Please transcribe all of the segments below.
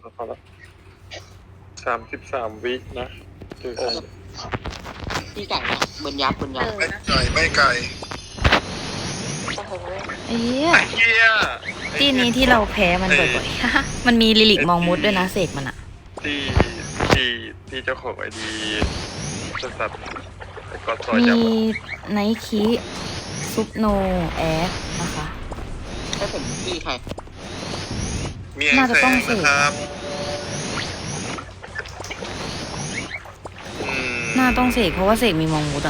แล้ว33 วินะคือพี่ไก่นะเบิร์นยับไม่ไกลไม่ไกลโอ้โหเอ้ยเฮียที่นี้ที่เราแพ้มันบ่อยๆ มันมีลิลิกมองมุดด้วยนะเสกมันอะที่เจ้าของไอดีสัตว์ไอ้กอดซอยมีจับไนคิซุปโนแอดนะคะให้ผมพี่ใครมีแองแสงนะครับน่าต้องเสกเพราะว่าเสกมีมองมุดอะ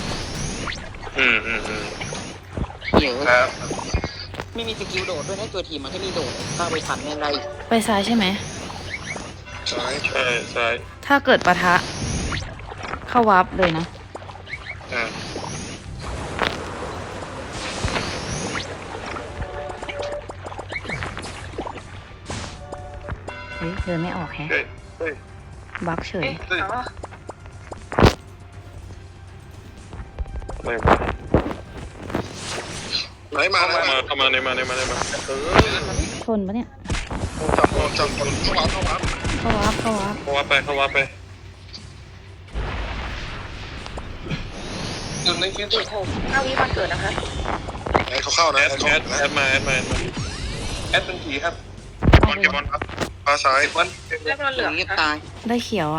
เดี๋ยวครับไม่มีสกิลโดดด้วยให้ตัวทีมมันแค่มีโดดถ้าไปทันยังไงไปซ้ายใช่ไหมใช่ใช่ถ้าเกิดปะทะ เข้าวาร์ปเลยนะอ่าเฮ้ยเดินไม่ออกแฮะเฮ้ยบักเฉยอ๋ออะไรวะไหนมาไหนมาเข้ามาในมาชนปะเนี่ยจับคนเข้าวัดเข้าวาร์ปเข้าวับไปหนึ่งในคิดอีก6 5 วิวันเกิดนะคะไอ้เขาเข้านะแอไอ้ดเขามาแอดเป็นผีครับบอลเก็บบอลครับมาซ้ายบอลเรียบร้อยเหลืองเงียบค่ะตายได้เขียวอะ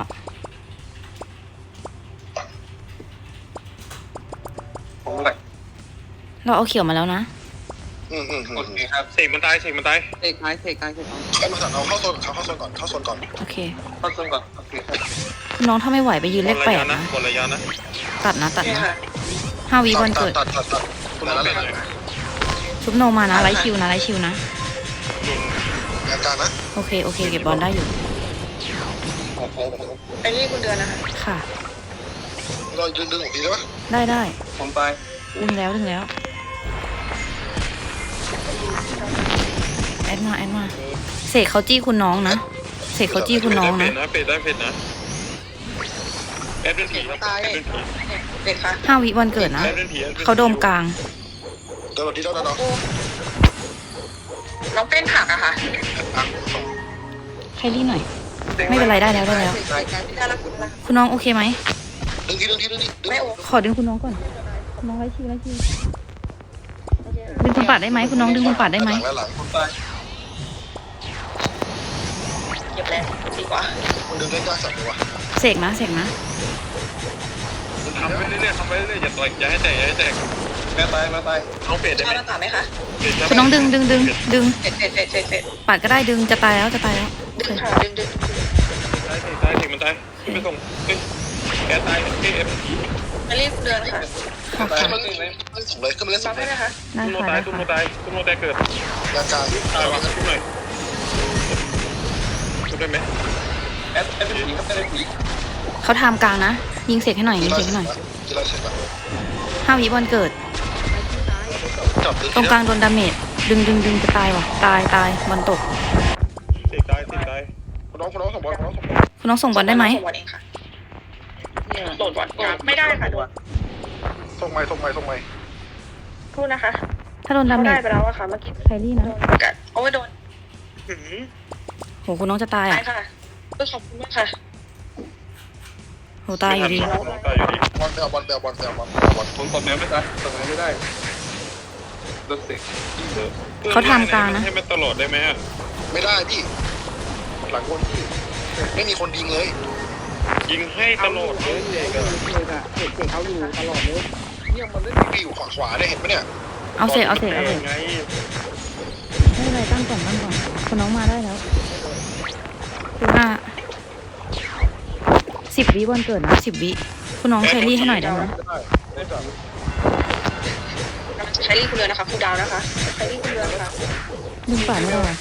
ผมแหละเราเอาเขียวมาแล้วนะโอเคครับเสกมันตายเทกายเขามาสั่งเอาเข้าโซนเข้าโซนก่อนโอเคเข้าโซนก่อนโอเคครับน้องถ้าไม่ไหวไปยืนเลขบแปนดนะนะบนระยะนะตัดนะนี่ค่ะ 5 วิวันเกิดตัดคุณต้องเป็นเลยซุปโนมานะไลท์คิวนะอาการนะโอเคเก็บบอลได้อยู่ไอ้นี่คุณเดือนนะคะค่ะเราดึงหัวผีได้ปะได้ผมไปดึงแล้วแอดมาเสกเขาจี้คุณน้องนะเสกเขาจี้คุณน้องนะเป็ดได้เผ็ดนะแอดเป็นผีครับแอดเป็นผีเด็กค่ะ 5 วิวันเกิดนะแอดเป็นผีเขาโดมกลางเดี๋ยวเราดีแล้วนะเนาะน้องเต้นผักอะค่ะไคลี่หน่อย ไม่เป็นไรได้แล้วได้ละคุณละคุณน้องโอเคไหมดึงทีไม่โอ้ขอดึงคุณน้องก่อนคุณน้องไลท์คิวดึงคุณปัดได้ไหมคุณน้องดึงคุณปัดได้ไหมหลังคนไปเก็บแล้วดีกว่าคนดึงได้ยากสัตว์เลยวะเสกนะทำไปเรื่อยอย่าต่อยอย่าให้แตกแม่ตายน้องเป็ดได้ชาไหมหน้าต่างไหมคะคุณน้องดึงเสร็จปัดก็ได้ดึงจะตายแล้วดึงค่ะดึงตายถึงมันตายไม่ส่งแกตายแอดเป็นผีไอ้นี่คุณเดือนค่ะค่ะขึ้นมาเล่นส่งเลยขึ้นมาเล่นฟัส่งงได้เลยไหมคะได้ตุ้มโนค่ะตายได้ตุ้มโนค่ะตายตุ้มโนตายเกิดยาการตายวะตุ้มหน่อยตุ้มได้ไหมแอดเป็นผีครับแอดเป็นผีเขาทำกลางนะ ยิงเสกให้หน่อยกีฬาเสร็จแล้ว 5 วิวันเกิดจับตรงกลางโดนดาเมจดึงจะตายว่ะตายบอลตกเสกตายคุณน้องส่งบอลคุณน้องส่งบอลได้ไหมส่งวันเองค่ะโดดบอลไม่ได้ค่ะโดดส่งใหม่พูดนะคะถ้าโดนดาเขาเมได้จไปแล้วอะค่ะเมื่อกี้ไคลี่นะประกาศโอ้ยโดนโหคุณน้องจะตายตาอ่ะยค่ะขอบคุณมากค่ะโหตายอยู่ดีตายอยู่ดีบอลผมกดแมวไม่ได้กดแมวไม่ได้โดนเสกเขาทำกลางนะให้มันตลอดได้ไหมไม่ได้พี่หลังคนพี่ไม่มีคนยิงเลยยิงให้ตลอดเลยเสกเอาอยู่ตลอดเลยเนี่ยมันเล่นพี่อยู่ขวาได้เห็นไหมเนี่ยเอาเสกไงไม่เป็นไรตั้งก่อนคุณน้องมาได้แล้วคือ10 วิวันเกิดนะ10 วิคุณน้องไคลี่ให้หน่อยได้ไหมใช้รีคุณเดือนนะคะคุณดาวนะคะใช้รีคุณเดือนค่ะดึงป่าไม่ได้ว่ะ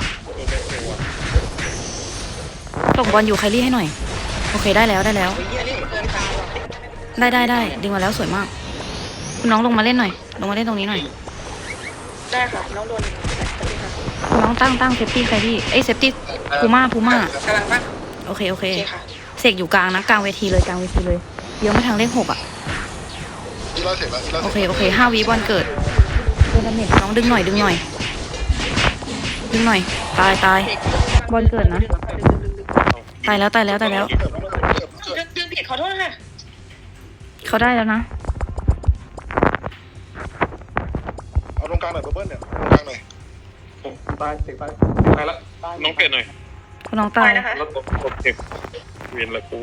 ตกบอลอยู่ไคลี่ให้หน่อยโอเคได้แล้วใช้รีคุณเดือนค่ะได้ดึงมาแล้วสวยมากคุณน้องลงมาเล่นหน่อยลงมาเล่นตรงนี้หน่อยได้ค่ะน้องโดนค่ะคุณน้องตั้งเซฟตี้ไคลี่เซฟตี้พูม่ากำลังป่ะโอเคโอเคค่ะเสกอยู่กลางนะกลางเวทีเลยเดี๋ยวไม่ทางเลข 6อ่ะกีฬาเสร็จแล้วโอเค5 วิวันเกิดโดนดาเมจน้องดึงหน่อยตายบอลเกิดนะดึงตายแล้วตายแล้วตายแล้วเดือนผิดขอโทษค่ะเขาได้แล้วนะเอาตรงกลางหน่อยเบิ้ลเนี่ยตรงกลางหน่อยตายเสกตายตายละน้องเปลี่ยนหน่อยคุณน้องตายนะคะแล้วตบเก็บเวียนละกู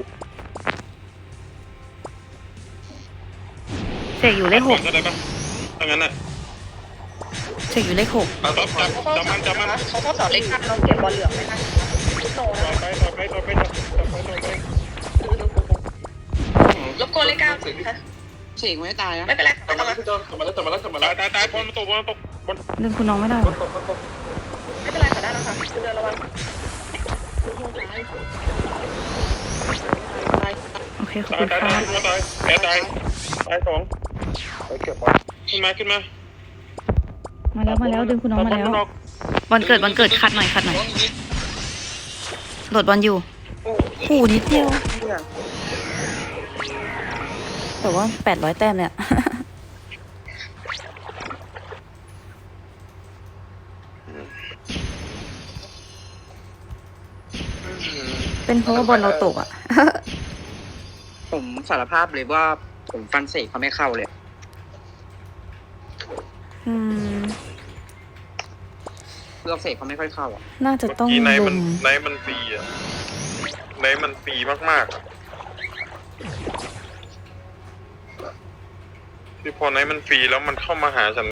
เสกอยู่เลขหกก็ได้ปะถ้างั้นน่ะเสกอยู่เลขหกเอาจับจับมันเขาทดสอบเล็กเราเก็บบอลเหลืองไหมคะโตนะต่อไปต่อไปต่อไปต่อไปรบกวนเลขเก้าค่ะเสกไม่ตายนะไม่เป็นไรกลับมาแล้วพี่จอนกลับมาแล้วกลับมาแล้วกลับมาแล้วตายบอลมาตกบอลตกบอลดึงคุณน้องไม่ได้ตกไม่เป็นไรค่ะได้แล้วค่ะคุณเดือนระวังโอเคขอบคุณตายค่ะตายแพ้ตายสองไปเก็บบอลขึ้นมามาแล้วดึงคุณน้องมาแล้วบอลเกิดคัดหน่อยโหลดบอลอยู่โอ้นิดเดียวแต่ว่า800 แต้มเนี่ย เป็นเพราะว่าบอลเราตกอ่ะผมสารภาพเลยว่าผมฟันเสกเขาไม่เข้าเลยอืมเลือกเสกเขาไม่ค่อยเข้าอ่ะน่าจะต้องที่ไนลุมันมไนมันฟรีอ่ะไนมันฟรีมากๆที่พอไนมันฟรีแล้วมันเข้ามาหาฉัน